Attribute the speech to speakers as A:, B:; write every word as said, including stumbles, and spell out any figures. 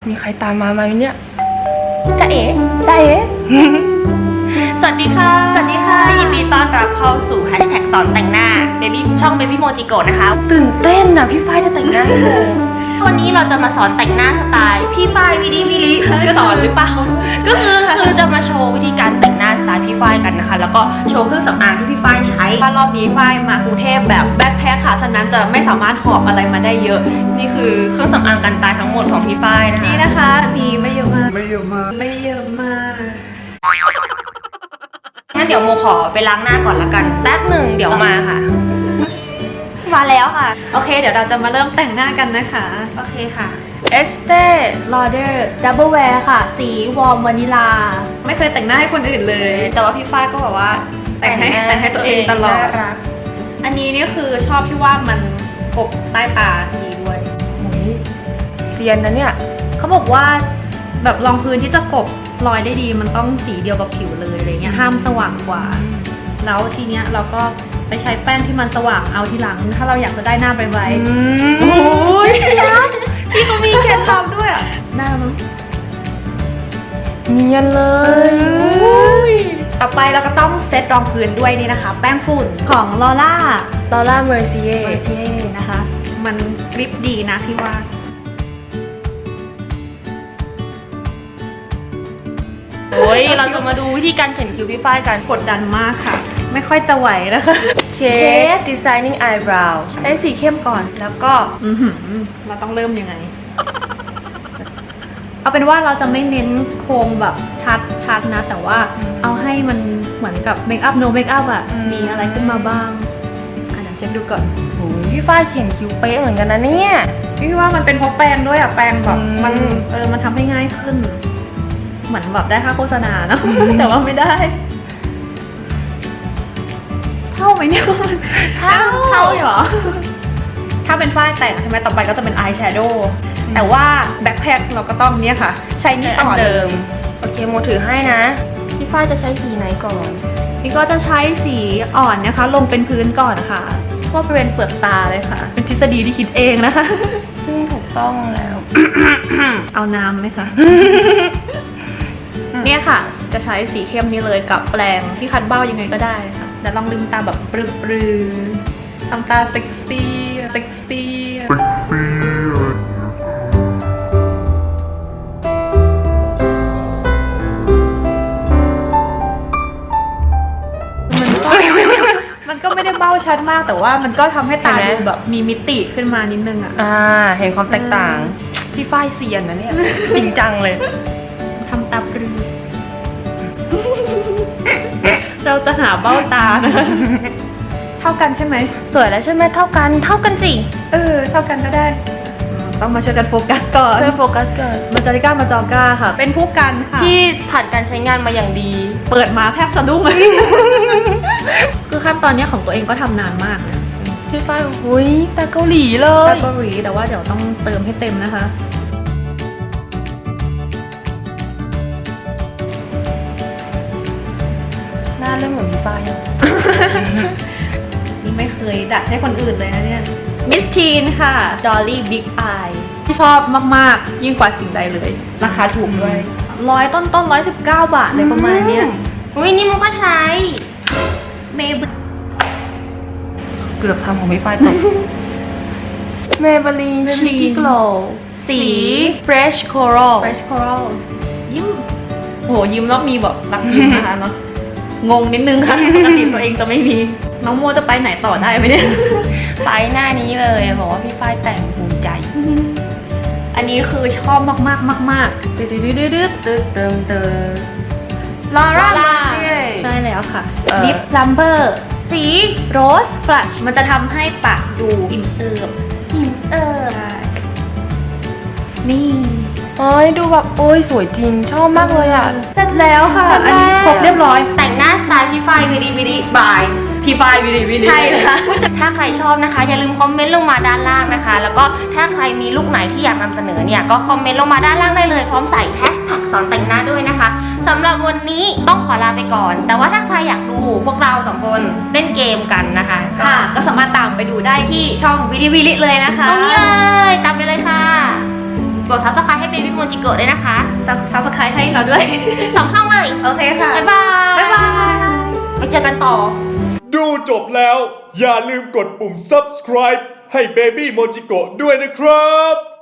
A: มีใครตามมาไหมเนี่ย
B: จ๊ะเอ๋
A: จ้าเอ๋
B: สวัสดีค่ะสวัสดีค่ะยินดีต้อนรับเข้าสู่แฮชแท็กสอนแต่งหน้าเบบี้ช่อง Baby Mojiko นะคะ
A: ตื่นเต้นนะพี่ฝ้ายจะแต่งหน้าให้เลย
B: วันนี้เราจะมาสอนแต่งหน้าสไตล์พี่ฝ้ายวิดีวิลิสอนหรือเปล่าก็คือคือจะมาโชว์วิธีการแต่งหน้าสไตล์พี่ฝ้ายกันนะคะแล้วก็โชว์เครื่องสำอางที่พี่ฝ้ายใช้รอบนี้ฝ้ายมากรุงเทพแบบแบ็คแพ็คค่ะฉะนั้นจะไม่สามารถหอบอะไรมาได้เยอะนี่คือเครื่องสำอางกันตายทั้งหมดของพี่ฝ้ายนะคะนี่นะคะมีไม่เยอะมากไม่เยอะมากไม่เยอะมากงั้นเดี๋ยวโมขอไปล้างหน้าก่อนละกันแป๊บหนึ่งเดี๋ยวมาค่ะมาแล้วค่ะโอเคเดี๋ยวเราจะมาเริ่มแต่งหน้ากันนะคะโอเคค่ะ
A: เอสเต้
B: ลอเดอร์ดับเบิลแวร์ค่ะสีวอร์มวานิลาไม่เคยแต่งหน้าให้คนอื่นเลยแต่ว่าพี่ฝ้ายก็แบบว่าแต่งให้แต่งให้ตัวเองตลอดอันนี้นี่คือชอบที่ว่ามันกบใต้ตาดีด้วย
A: โอ้ยเซียนนะเนี่ย
B: เขาบอกว่าแบบรองพื้นที่จะกบรอยได้ดีมันต้องสีเดียวกับผิวเลยอะไรเงี้ยห้ามสว่างกว่าแล้วทีเนี้ยเราก็ไปใช้แป้งที่มันสว่างเอาทีหลังถ้าเราอยากจะได้หน้าไวๆโอ้ยพี่เขามีเคล็ดลับด้วยอ่ะหน้ามัน
A: เนียนเลย
B: ต่อไปเราก็ต้องเซตรองพื้นด้วยนี่นะคะแป้งฝุ่นของลอร่า
A: ลอร่าเมอร์ซิเย่
B: เมอร์ซิเย่นะคะมันกริปดีนะพี่ว่า
A: โอ้ยเราจะมาดูวิธีการเขียนคิ้วพี่ฝ้ายกัน
B: กดดันมากค่ะไม่ค่อยจะไหวนะคะ
A: เคส Designing Eyebrow
B: ใช้สีเข้มก่อนแล้วก็อือหือเราต้องเริ่มยังไงเอาเป็นว่าเราจะไม่เน้นโครงแบบชัดชัดนะแต่ว่าเอาให้มันเหมือนกับเมคอัพโนเมคอัพอะมีอะไรขึ้นมาบ้างอ่ะเดี๋ยวเช็คดูก่อน
A: โอ้ยพี่ฝ้ายเขียนคิ้วเป๊ะเหมือนกันนะเนี่ย
B: พี่ว่ามันเป็นเพราะแปรงด้วยอะแปรงแบบมันเออมันทำให้ง่ายขึ้นเหมือนแบบได้ค่าโฆษณานะ แต่ว่าไม่ได้เท่าไหมเนี่ยเท่าเท่าเหรอถ้าเป็นฝ้ายแต่งใช่ไหมต่อไปก็จะเป็นอายแชโดว์แต่ว่าแบ็คแพ็คเราก็ต้องเนี่ยค่ะใช้นี่ต่อเดิม
A: โอเคโมถือให้นะพี่ฝ้ายจะใช้สีไหนก่อน
B: พี่ก็จะใช้สีอ่อนนะคะลงเป็นพื้นก่อนค่ะก็บริเวณเปลือกตาเลยค่ะเป็นทฤษฎีที่คิดเองนะคะ
A: ซึ่งถูกต้องแล้ว
B: เอาน้ำไหมคะเนี่ยค่ะจะใช้สีเข้มนี้เลยกับแปรงที่คัดเบ้ายังไงก็ได้ค่ะแล้วลองลืมตาแบบปรื้อๆทำตาเซ็กซี่เซ็กซี่เซ็กซี่มันก็ไม่ได้เบ้าชัดมากแต่ว่ามันก็ทำให้ตาดูแบบมีมิติขึ้นมานิดนึงอ่ะ
A: อ่าเห็นความแตกต่างพี่ฝ้ายเซียนนะเนี่ยจริงจังเลย
B: ทำตาปรื้อเราจะหาเบ้าตานะเท่ากันใช่ไหม
A: สวยแล้วใช่ไหมเท่ากันเท่ากันสิ
B: เออเท่ากันก็ได้ต้องมาช่วยกันโฟกัสก่อน
A: ช่วยโฟกัสก่อน
B: มาจาริก้ามาจอก้าค่ะเป็นผู้กันค่ะ
A: ที่ผ่านการใช้งานมาอย่างดี
B: เปิดมาแทบสะดุ้งเลยคือขั้นตอนนี้ของตัวเองก็ทำนานมากนะ
A: พี่ฝ้ายอุ้ยตาเกาหลีเลย
B: ตาเกาหลีแต่ว่าเดี๋ยวต้องเติมให้เต็มนะคะ
A: หน้าเริ่มเหมือนพี่ฝ้าย
B: นี่ไม่เคยดัดให้คนอื่นเลยนะเนี่ยมิสทีนค่ะดอลลี่บิ๊กอายที่ชอบมากๆยิ่งกว่าสิ่งใดเลยราคาถูกด้วยร้อยต้นต้นร้อยสิบเก้าบาทเลยประมาณนี้
A: อุ้ยนี่มุกก็ใช้
B: เมย์
A: เกือบทำของพี่ฝ้ายตกเมเบลีนชีกโกล
B: สี
A: Fresh Coral
B: Fresh Coral ยิ้มโหยิ้มแล้วมีแบบรักยิ้มนะคะเนาะงงนิดนึงค่ะปกติตัวเองจะไม่มีน้องโมจะไปไหนต่อได้ไหมเนี่ย
A: ไปหน้านี้เลยบอกว่าพี่ฝ้ายแต่งภูมิใจ
B: อันนี้คือชอบมากมากมากมาก
A: ดืดดืดดืดดืดดืดเติมเติม
B: ลอร่าใช่แล้วค่ะลิปลัมเบอร์สีโรสฟลัชมันจะทำให้ปากดูอิ่มเอิบอิ่มเอิบนี่
A: โอ้ยดูแบบโอ้ยสวยจริงชอบมากเลยอ่ะ
B: เสร็จแล้วค่ะอันนี้ครบเรียบร้อย
A: แต่งหน้าสไตล์พี่ฝ้ายวิดีวิดีบายพี่ฝ้ายวิดีวิดี
B: ใช่เลยค่ะ
A: ถ้าใครชอบนะคะอย่าลืมคอมเมนต์ลงมาด้านล่างนะคะแล้วก็ถ้าใครมีลุคไหนที่อยากนำเสนอเนี่ยก็คอมเมนต์ลงมาด้านล่างได้เลยพร้อมใส่แฮชแท็กสอนแต่งหน้าด้วยนะคะสำหรับวันนี้ต้องขอลาไปก่อนแต่ว่าถ้าใครอยากดูพวกเราสองคนเล่นเกมกันนะคะ
B: ค่ะก็สามารถตามไปดูได้ที่ช่องวิดีวิลิเลยนะคะ
A: ตรงนี้เลยตามไปเลยค่ะกด ซับสไครบ์ ให้เบบี้โมจิโกะด้วยนะคะ
B: ซับสไครต์ให้เราด้วย
A: สองช่องเลย
B: โอเคค่ะ
A: บ๊ายบาย
B: บ๊ายบาย
A: ไปเจอกันต่อ
C: ดูจบแล้วอย่าลืมกดปุ่ม ซับสไครบ์ ให้ Baby Mojiko ด้วยนะครับ